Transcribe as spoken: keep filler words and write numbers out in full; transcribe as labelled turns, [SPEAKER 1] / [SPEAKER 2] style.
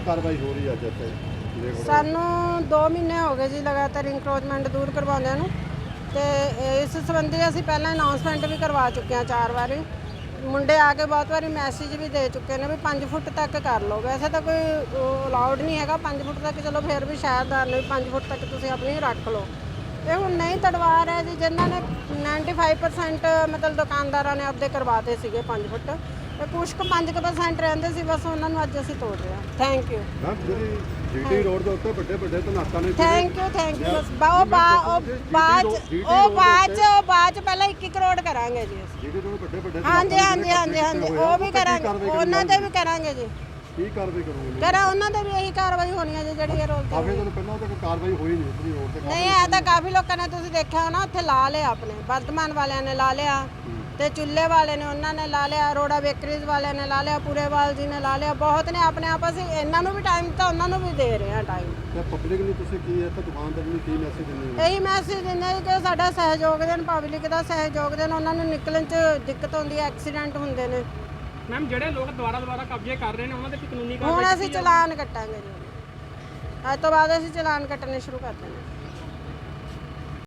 [SPEAKER 1] कार्रवाई हो रही है अज इत्थे?
[SPEAKER 2] ਸਾਨੂੰ दो ਮਹੀਨੇ ਹੋ ਗਏ ਜੀ ਲਗਾਤਾਰ ਇਨਕਰੋਚਮੈਂਟ ਦੂਰ ਕਰਵਾਉਂਦਿਆਂ ਨੂੰ ਤੇ ਇਸ ਸੰਬੰਧੀ ਅਸੀਂ ਪਹਿਲਾਂ ਅਨਾਉਂਸਮੈਂਟ ਵੀ ਕਰਵਾ ਚੁੱਕੇ ਹਾਂ ਚਾਰ ਵਾਰੀ। ਮੁੰਡੇ ਆ ਕੇ ਬਹੁਤ ਵਾਰੀ ਮੈਸੇਜ ਵੀ ਦੇ ਚੁੱਕੇ ਨੇ ਵੀ ਪੰਜ ਫੁੱਟ ਤੱਕ ਕਰ ਲਓ। ਵੈਸੇ ਤਾਂ ਕੋਈ ਅਲਾਉਡ ਨਹੀਂ ਹੈਗਾ ਪੰਜ ਫੁੱਟ ਤੱਕ, ਚਲੋ ਫਿਰ ਵੀ ਸ਼ਾਇਦ ਨੇ ਪੰਜ ਫੁੱਟ ਤੱਕ ਤੁਸੀਂ ਆਪਣੀ ਰੱਖ ਲਓ। ਇਹ ਹੁਣ ਨਹੀਂ ਤੜਵਾ ਰਿਹਾ ਜੀ, ਜਿਨ੍ਹਾਂ ਨੇ ਪਚਾਨਵੇਂ ਪਰਸੈਂਟ ਮਤਲਬ ਦੁਕਾਨਦਾਰਾਂ ਨੇ ਆਪਦੇ ਕਰਵਾਤੇ ਸੀਗੇ ਪੰਜ ਫੁੱਟ, ਤੇ ਕੁਛ ਕੁ ਪੰਜ ਪਰਸੈਂਟ ਰਹਿੰਦੇ ਸੀ, ਬਸ ਉਹਨਾਂ ਨੂੰ ਅੱਜ ਅਸੀਂ ਤੋੜ ਰਹੇ ਹਾਂ। ਥੈਂਕ ਯੂ
[SPEAKER 1] ਮੈਮ ਜਿਹੜੀ ਜੀਟੀ ਰੋਡ ਦੇ ਉੱਤੇ ਵੱਡੇ ਵੱਡੇ ਧਨਾਕਾਂ ਨੇ,
[SPEAKER 2] ਥੈਂਕ ਯੂ ਥੈਂਕ ਯੂ ਬਸ ਬਾ ਉਹ ਬਾ ਉਹ ਬਾਅਦ ਉਹ ਬਾਅਦ ਚ ਉਹ ਬਾਅਦ ਚ ਪਹਿਲਾਂ ਇੱਕ ਕਰੋੜ ਕਰਾਂਗੇ ਜੀ ਅਸੀਂ।
[SPEAKER 1] ਜੀਟੀ ਰੋਡ ਵੱਡੇ ਵੱਡੇ
[SPEAKER 2] ਹਾਂਜੀ ਹਾਂਜੀ ਹਾਂਜੀ ਹਾਂਜੀ ਉਹ ਵੀ ਕਰਾਂਗੇ, ਉਹਨਾਂ ਤੇ ਵੀ ਕਰਾਂਗੇ ਜੀ।
[SPEAKER 1] ਕੀ ਕਾਰਵਾਈ ਕਰੋਗੇ?
[SPEAKER 2] ਕਰਾਂ ਉਹਨਾਂ ਤੇ ਵੀ ਇਹੀ ਕਾਰਵਾਈ ਹੋਣੀ ਹੈ ਜੀ ਜਿਹੜੀ ਇਹ ਰੋਡ ਤੇ
[SPEAKER 1] ਕਾਫੀ ਦਿਨ ਪਹਿਲਾਂ ਤਾਂ ਕੋਈ ਕਾਰਵਾਈ ਹੋਈ ਨਹੀਂ ਉਤਰੀ ਰੋਡ ਤੇ।
[SPEAKER 2] ਨਹੀਂ ਇਹ ਤਾਂ ਕਾਫੀ ਲੋਕਾਂ ਨੇ ਤੁਸੀਂ ਦੇਖਿਆ ਹੋਣਾ ਉੱਥੇ ਲਾ ਲਿਆ, ਆਪਣੇ ਵਰਤਮਾਨ ਵਾਲਿਆਂ ਨੇ ਲਾ ਲਿਆ ਤੇ ਚੁੱਲ੍ਹੇ ਵਾਲੇ ਨੇ ਉਹਨਾਂ ਨੇ ਲਾ ਲਿਆ, ਅਰੋੜਾ ਬੇਕਰੀਜ਼ ਵਾਲਿਆਂ ਨੇ ਲਾ ਲਿਆ, ਪੂਰੇਵਾਲ ਜੀ ਨੇ ਲਾ ਲਿਆ, ਬਹੁਤ ਨੇ ਆਪਣੇ ਆਪ। ਅਸੀਂ ਇਹਨਾਂ ਨੂੰ ਵੀ ਟਾਈਮ ਤਾਂ ਉਹਨਾਂ ਨੂੰ ਵੀ ਦੇ ਰਹੇ ਹਾਂ ਟਾਈਮ।
[SPEAKER 1] ਤੇ ਪਬਲਿਕ ਨੂੰ ਤੁਸੀਂ ਕੀ ਹੈ ਤਾਂ ਦੁਕਾਨਦਾਰ ਨੂੰ ਕੀ ਮੈਸੇਜ ਦਿੰਦੇ ਹੋ?
[SPEAKER 2] ਇਹੀ ਮੈਸੇਜ ਦਿੰਦੇ ਹਾਂ ਕਿ ਸਾਡਾ ਸਹਿਯੋਗ ਦੇਣ, ਪਬਲਿਕ ਦਾ ਸਹਿਯੋਗ ਦੇਣ। ਉਹਨਾਂ ਨੂੰ ਨਿਕਲਣ 'ਚ ਦਿੱਕਤ ਹੁੰਦੀ ਹੈ, ਐਕਸੀਡੈਂਟ ਹੁੰਦੇ ਨੇ।
[SPEAKER 3] ਮੈਮ ਜਿਹੜੇ ਲੋਕ ਦੁਬਾਰਾ ਦੁਬਾਰਾ ਕਬਜ਼ੇ ਕਰ ਰਹੇ ਨੇ ਉਹਨਾਂ ਦੇ ਵੀ ਕਾਨੂੰਨੀ
[SPEAKER 2] ਹੁਣ ਅਸੀਂ ਚਲਾਨ ਕੱਟਾਂਗੇ ਜੀ, ਅੱਜ ਤੋਂ ਬਾਅਦ ਅਸੀਂ ਚਲਾਨ ਕੱਟਣੇ ਸ਼ੁਰੂ ਕਰ ਦੇਣੇ।